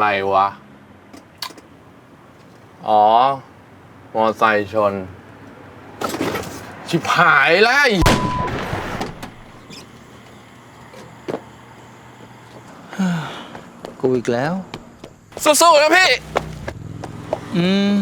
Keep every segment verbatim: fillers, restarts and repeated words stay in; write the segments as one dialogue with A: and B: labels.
A: อะไรวะ อ๋อ มอไซค์ชน ชิบหายแล้ว
B: กูอีกแล้ว
A: สู้ๆนะพี่
B: อืม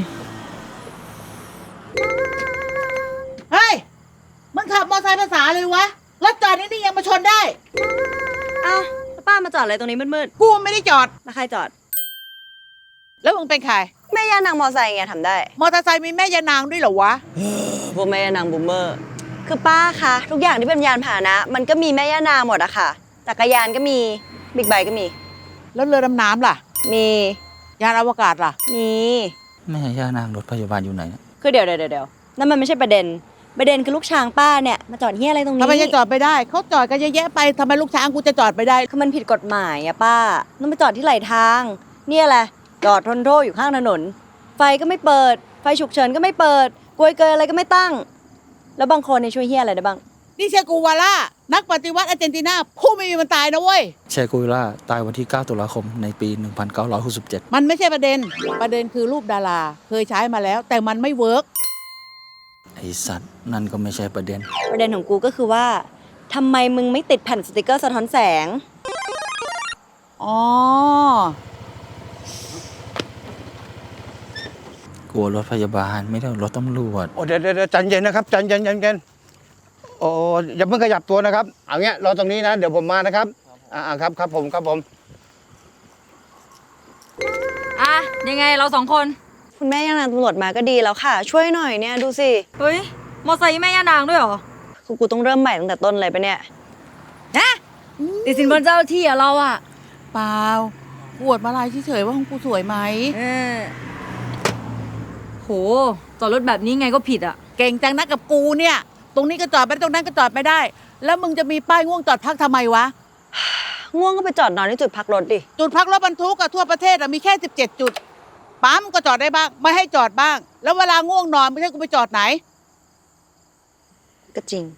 C: เฮ้ย มึงขับมอเตอร์ไซค์ภาษาเลยวะ รถจอดนี่นี่ยังมาชนได้
D: อ้าวแล้วป้ามาจอดอะไรตรงนี้มืด
C: กูไม่ได้จอด
D: ๆแล้วใครจอด
C: แล้วมึงเป็นใคร
D: แม่ย่านางมอไซค์ไงทำได้
C: มอเตอร์ไซค์มีแม่ยานางด้วยเหรอวะ
D: พวกแม่ย่านางบูมเมอร์ คือป้าคะทุกอย่างที่เป็นยานพาหนะ มันก็มีแม่ย่านางหมดอะค่ะจักรยานก็มีบิ๊กไบค์ก็มี
C: แล้วเรือดำน้ำล่ะ
D: มี
C: ยานอวกาศล่ะ
D: มี
B: แม่ย่านางรถพยาบาลอยู่ไหนนะ
D: คือเดี๋ยวเดี๋ยวเดี๋ยวนั่นมันไม่ใช่ประเด็น ประเด็นคือลูกช้างป้าเนี่ยมาจอดเฮียอะไรตรงนี้
C: ทำไมจะจอดไปได้ เขาจอดกันเยอะแยะไปทำไมลูกช้างกูจะจอดไปได้
D: คือมันผิดกฎหมายอะป้าต้องไปจอดที่ไหลทาง เนี่ยแหละจอดทนโทษอยู่ข้างถนน ไฟก็ไม่เปิด ไฟฉุกเฉินก็ไม่เปิดกลวยเกยอะไรก็ไม่ตั้ง แล้วบางคนเนี่ยช่วยเฮียอะไรได้บ้าง
C: นี่เชกูวาล่า นักปฏิวัติอาร์เจนตินาผู้ไม่มีวันตายนะเว้ย
B: เชกุยล่าตายวันที่ เก้า ตุลาคม ในปี หนึ่งพันเก้าร้อยหกสิบเจ็ด
C: มันไม่ใช่ประเด็น ประเด็นคือรูปดารา เคยใช้มาแล้ว แต่มันไม่เวิร์ก
B: ไอสัตว์ นั่นก็ไม่ใช่ประเด็น
D: ประเด็นของกูก็คือว่าทำไมมึงไม่ติดแผ่นสติกเกอร์สะท้อนแสง
C: อ๋อ
B: กลัวรถพยาบาลไม่ได้รถตำรวจ
E: โอ้เดี๋ยวเดี๋ยวใจเย็นนะครับใจเย็นใจเย็นโอ้อย่าเพิ่งขยับตัวนะครับเอาเงี้ยรอตรงนี้นะเดี๋ยวผมมานะครับอ่าครับครับผมครับผม
F: อ่ะยังไงเราสองคน
D: คุณแม่ย่านางตำรวจมาก็ดีแล้วค่ะ ช่วยหน่อยเนี่ยดูสิ
F: เฮ้ย มอไซค์แม่ย่านางด้วยเหรอ
D: คือกูต้องเริ่มใหม่ตั้งแต่ต้นเลยปะเนี่ย
F: นะติดสินบนเจ้าที่อะเราอะ
C: เปล่าปวดมาลายเฉยๆว่าของกูสวยไหม
F: เออโหจอดรถแบบนี้ไงก็ผิดอะ
C: เก่งจังนะกับกูเนี่ย ตรงนี้ก็จอดไม่ได้ตรงนั้นก็จอดไม่ได้ แล้วมึงจะมีป้ายง่วงจอดพักทำไมวะ
D: ง่วงก็ไปจอดนอนที่จุดพักรถดิ
C: จุดพักรถบรรทุกอะทั่วประเทศอะมีแค่สิบเจ็ดจุด ปั๊มก็จอดได้บ้าง ไม่ให้จอดบ้าง แล้วเวลาง่วงนอนไม่ใช่กูไปจอดไหน
D: ก็จริง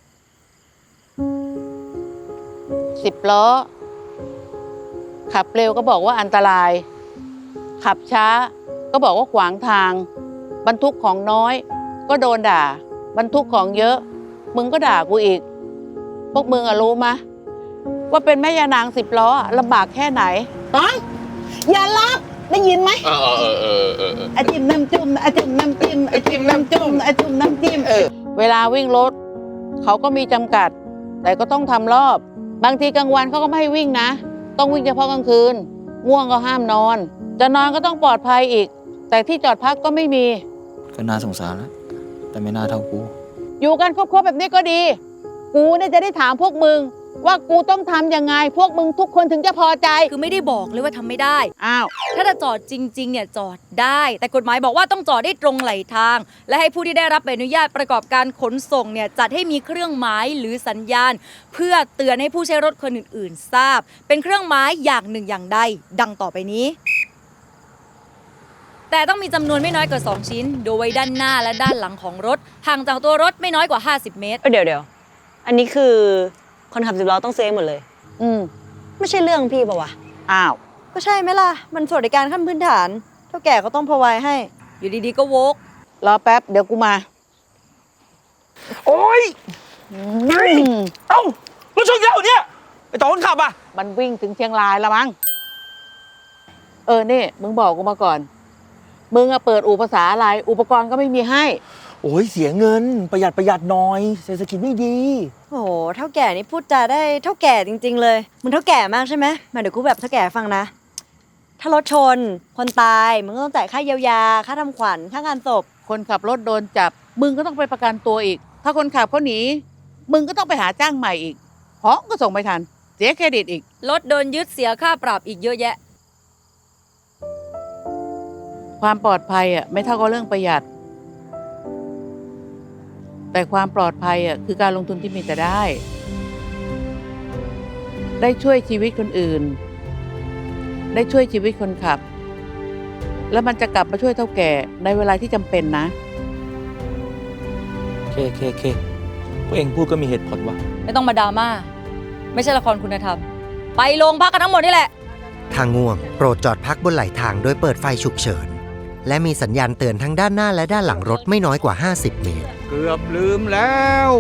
C: สิบล้อ ขับเร็วก็บอกว่าอันตราย ขับช้าก็บอกว่าขวางทาง บรรทุกของน้อย ก็โดนด่า บรรทุกของเยอะ มึงก็ด่ากูอีก พวกมึงอะรู้มะ ว่าเป็นแม่ยานางสิบล้ออะลำบากแค่ไหนต้อยอย่ารับได้ยินไหม
A: เออเออเออเออเออ
C: อาจิ้มน้ำจุ่มอาจิ้มน้ำจิ้มอาจิ้มน้ำจุ่มอาจิ้มน้ำจิ้มเออเวลาวิ่งรถเขาก็มีจำกัด แต่ก็ต้องทำรอบ บางทีกลางวันเขาก็ไม่ให้วิ่งนะ ต้องวิ่งเฉพาะกลางคืน ง่วงก็ห้ามนอน จะนอนก็ต้องปลอดภัยอีก แต่ที่จอดพักก็ไม่มี
B: ก็น่าสงสารแล้ว แต่ไม่น่าเท่ากู
C: อยู่กันครบๆแบบนี้ก็ดี กูเนี่ยจะได้ถามพวกมึง ว่ากูต้องทำยังไง พวกมึงทุกคนถึงจะพอใจ
F: คือไม่ได้บอกเลยว่าทำไม่ได้
C: อ้าว
F: ถ้าจะจอดจริงๆเนี่ยจอดได้ แต่กฎหมายบอกว่าต้องจอดได้ตรงไหลทาง และให้ผู้ที่ได้รับใบอนุญาตประกอบการขนส่งเนี่ยจัดให้มีเครื่องหมายหรือสัญญาณ เพื่อเตือนให้ผู้ใช้รถคนอื่นๆ ทราบ เป็นเครื่องหมายอย่างหนึ่งอย่างใดดังต่อไปนี้ แต่ต้องมีจำนวนไม่น้อยกว่า สอง ชิ้น โดยไว้ด้านหน้าและด้านหลังของรถห่างจากตัวรถไม่น้อยกว่า ห้าสิบ เมตร
D: เอ้ยเดี๋ยวเดี๋ยวอันนี้คือคนขับสิบล้อต้องเซฟหมดเลย
C: อืม
D: ไม่ใช่เรื่องพี่ปะวะ
C: อ้าว
D: ก็ใช่ไหมล่ะ มันสวัสดิการขั้นพื้นฐาน เท่าแก่ก็ต้องพอไว้ให้
F: อยู่ดีๆก็โวก
C: รอแป๊บ เดี๋ยวกูมา
E: โอ้ยเอ้ารถชนแล้วเนี่ยไอต่อคนขับอ่ะ
C: มันวิ่งถึงเชียงรายแล้วมั้ง เออนี่มึงบอกกูมาก่อน มึงอะเปิดอู่ภาษาอะไร อุปกรณ์ก็ไม่มีให้
E: โอ้ยเสียเงินประหยัดประหยัดหน่อยเศรษฐกิจไม่ดี
D: โอ้โห เท่าแก่นี่พูดจาได้เท่าแก่จริง ๆ เลยมึงเท่าแก่มากใช่ไหมมาเดี๋ยวกูแบบเท่าแก่ฟังนะ ถ้ารถชน คนตายมึงก็ต้องจ่ายค่าเยียวยา ค่าทำขวัญ ค่างานศพ
C: คนขับรถโดนจับ มึงก็ต้องไปประกันตัวอีก ถ้าคนขับเขาหนี มึงก็ต้องไปหาจ้างใหม่อีกของก็ส่งไม่ทัน เสียเครดิตอีก
F: รถโดนยึดเสียค่าปรับอีกเยอะแยะ
C: ความปลอดภัยอ่ะไม่เท่ากับเรื่องประหยัด แต่ความปลอดภัยอ่ะคือการลงทุนที่มีแต่ได้ ได้ช่วยชีวิตคนอื่น ได้ช่วยชีวิตคนขับ แล้วมันจะกลับมาช่วยเท่าแก่ในเวลาที่จำเป็นนะ
B: เคเคเคพวกเองพูดก็มีเหตุผลว่ะ
F: ไม่ต้องมาดราม่า ไม่ใช่ละครคุณธรรม ไปโรงพักกันทั้งหมดนี่แหละ
G: ถ้าง่วงโปรดจอดพักบนไหลทางโดยเปิดไฟฉุกเฉินและมีสัญญาณเตือนทั้งด้านหน้าและด้านหลังรถไม่น้อยกว่าห้าสิบเมตร
E: เกือบลืมแล้ว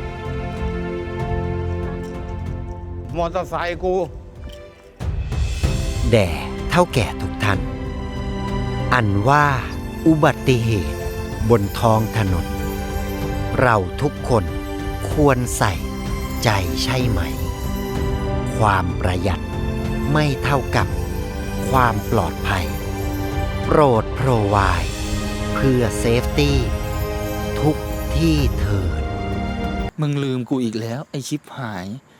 E: มอเตอร์ไซค์กู
G: แด่เท่าแก่ทุกท่าน อันว่าอุบัติเหตุบนท้องถนน เราทุกคนควรใส่ใจใช่ไหม ความประหยัดไม่เท่ากับความปลอดภัย โปรดโปรไวด์เพื่อเซฟตี้ทุกที่เถิด
B: มึงลืมกูอีกแล้ว ไอชิปหาย